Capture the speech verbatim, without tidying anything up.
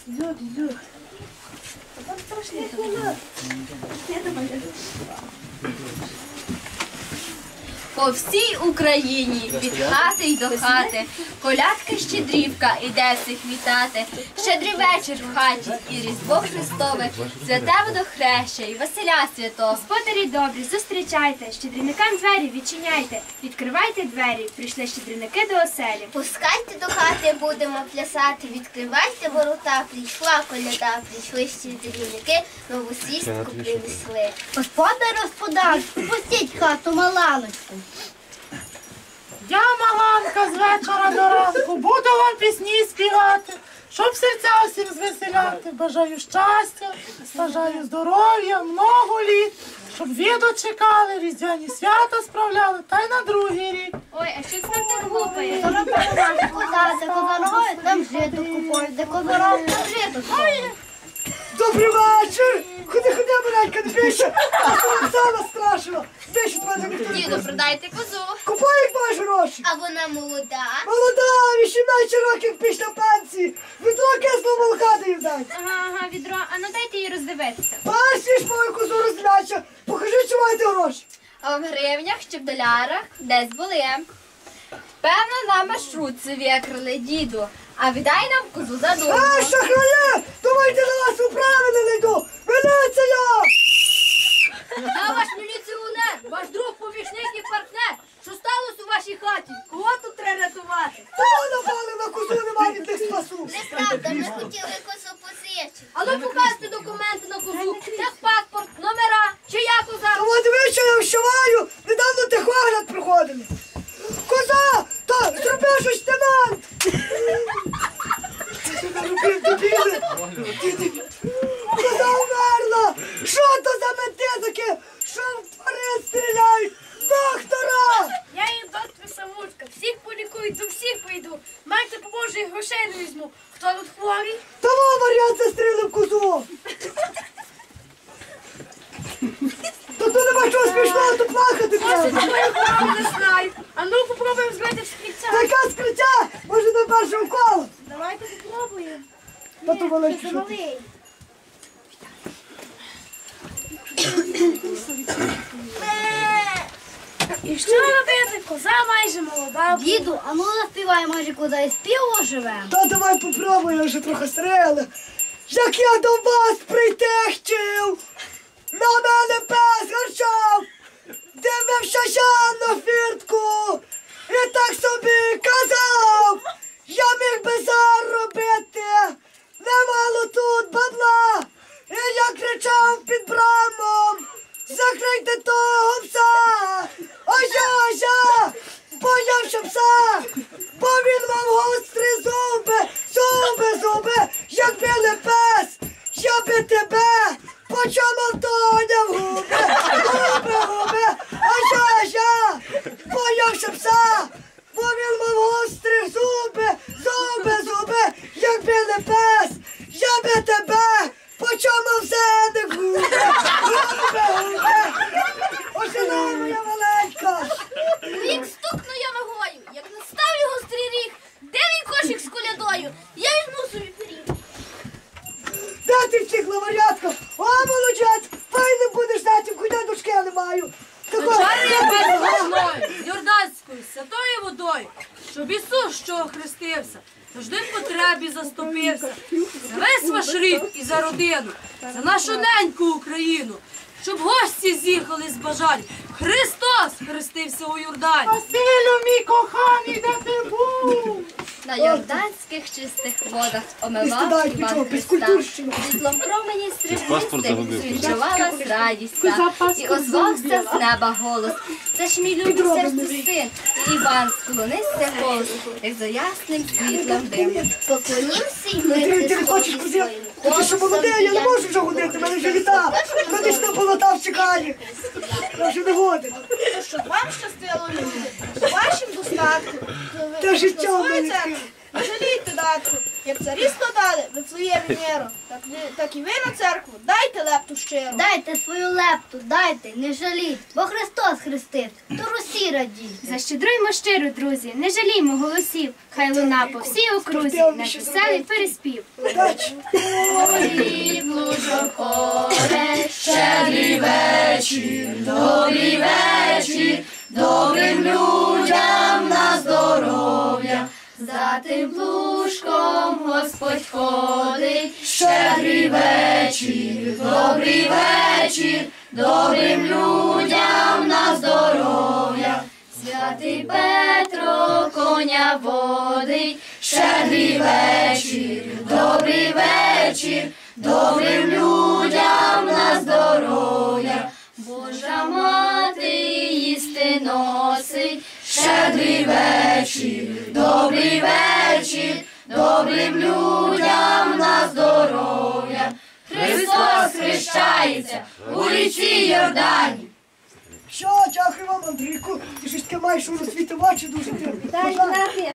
Зюк, зюк. Там страшно. По всій Україні, від хати й до хати, колядка щедрівка іде всіх вітати. Щедрий вечір в хаті і Різдво Христове, святе водохреща і Василя Святого. Господарі добрі, зустрічайте, щедрівникам двері відчиняйте, відкривайте двері, прийшли щедрівники до оселі. Пускайте до хати, будемо плясати, відкривайте ворота, прийшла коляда, прийшли щедрівники, нову свістку принесли. Господар, господар, пустіть хату маланочку. Я, Маланка, з вечора до ранку буду вам пісні співати, щоб серця усім звеселяти. Бажаю щастя, бажаю здоров'я, много літ, щоб ви дочекали, різдвяні свята справляли, та й на другий рік. Ой, а що це нам так гупає? Коза, де козароють, там жито купують, де козароють, там жито стоїть. Добрий вечір! Ходи, ходи, маленька, не більше! Оксана страшила! Більше тебе не ніхто не Діду, буде. продайте козу. Купай, як маєш гроші! А вона молода. Молода, вісімнадцять років після пенсії! Відро кислого молока даю дать! Ага, ага, відро, а ну дайте її роздивитися. Бачиш мою козу розглядча! Покажи, чи маєте гроші! А в гривнях чи в долярах десь були. Певно, на маршрутці викрали, діду. А віддай нам козу за дурно. А, шахрає! Думаєте, на вас управи не найду! Міліція! Я ваш міліціонер, ваш друг, помічник і партнер. Що сталося у вашій хаті? Кого тут треба рятувати? Та напали на козу, нема від них спасу! Неправда, ми хотіли козу позичити. А ну покажете документи на козу, техпаспорт, номера, чия коза? Та от ви, що я вщуваю, недавно техогляд проходили. Коза! Та зроби щось, лейтенант! Що ти робив, дебіли? Коза вмерла! Що то за менти таке? Що в тварин стріляють? Доктора! Я їм доктор Самурка, всіх полікую, до всіх прийду. Майте поможе і грошей не візьму. Хто тут хворий? Того варіант застрілив козу! Та то нема чого смішного, то плакати треба! Я не знаю. А ну попробуємо згадати скриця. Така скриття! Може на першому колу? Давайте попробуємо. Та то великий що ти. І що робити? Коза майже молода. Діду, а ну заспівай, може, коза і співу живем. Та давай попробуй, я вже трохи стріли. Як я до вас прийти хотів, на мене пес гарчав, дивився я на фіртку і так собі казав, я міг би заробити, немало тут бабла, і я кричав під брамом, закрийте того пса, а я, я боявся пса, бо він мав гострі зуби, зуби, зуби, як білий пес, я би тебе почав Тоня в губи, губи, губи, а я, я боявся пса, бо він мав гострі зуби, зуби, зуби, як білий пес, я би тебе почав зеник в губи, губи, губи, ожина моя маленька. Рік стукну я ногою, як наставлю гострий ріг, де мій кошик з колядою? Я візьму собі пиріг. Де ти втік, лаварятка? О, молодець, файно будеш знати, куди дочки я не маю. Чари я без головною, з Йорданською, святою водою, щоб Ісус, що охрестився, завжди в потребі заступився. За весь ваш рід і за родину, за нашу неньку Україну, щоб гості з'їхали з бажань. Христос хрестився у Йордані. Василю, мій коханий, де ти був? На йорданських чистих водах омивав Стидай, Іван нічого, Христа. безкультурщина. Світлом промені стрижнистих відчувалась радість та, і озвався з неба голос. Це ж мій любий серцю син, і Іван склонився голос, як за ясним світлом дим. Поклонімся й ми Ти, ти не хочеш Христові куди? Ти що молодий, я не можу вже ходити, мене вже літа. Медична полота чекає. Я вже не годен. Щоб вам щастило люди, вашим достатку. Та життя в мене. Не жалійте, татку. Як царі складали Вифлеємі миру, так, ви- так і ви на церкву дайте лепту щиро. Дайте свою лепту, дайте, не жаліть, бо Христос хрестив, то Русі радіть. Защедруймо щиро, друзі, не жаліймо голосів. Хай луна по всій окрузі, наш веселий переспів. Щедрий вечір, добрий вечір, добрим людям на здоров'я. За тим плужком Господь ходить. Щедрий вечір, добрий вечір, добрим людям на здоров'я. Святий Петро коня водить. Щедрий вечір, добрий вечір, добрим людям на здоров'я. Божа мати їсти носить. Щедрий вечір, добрий вечір, добрим людям на здоров'я. Христос хрещається у річці Йордані. Що, дякую вам, Андрійку, ти щось таке маєш у світи очі дуже. Дай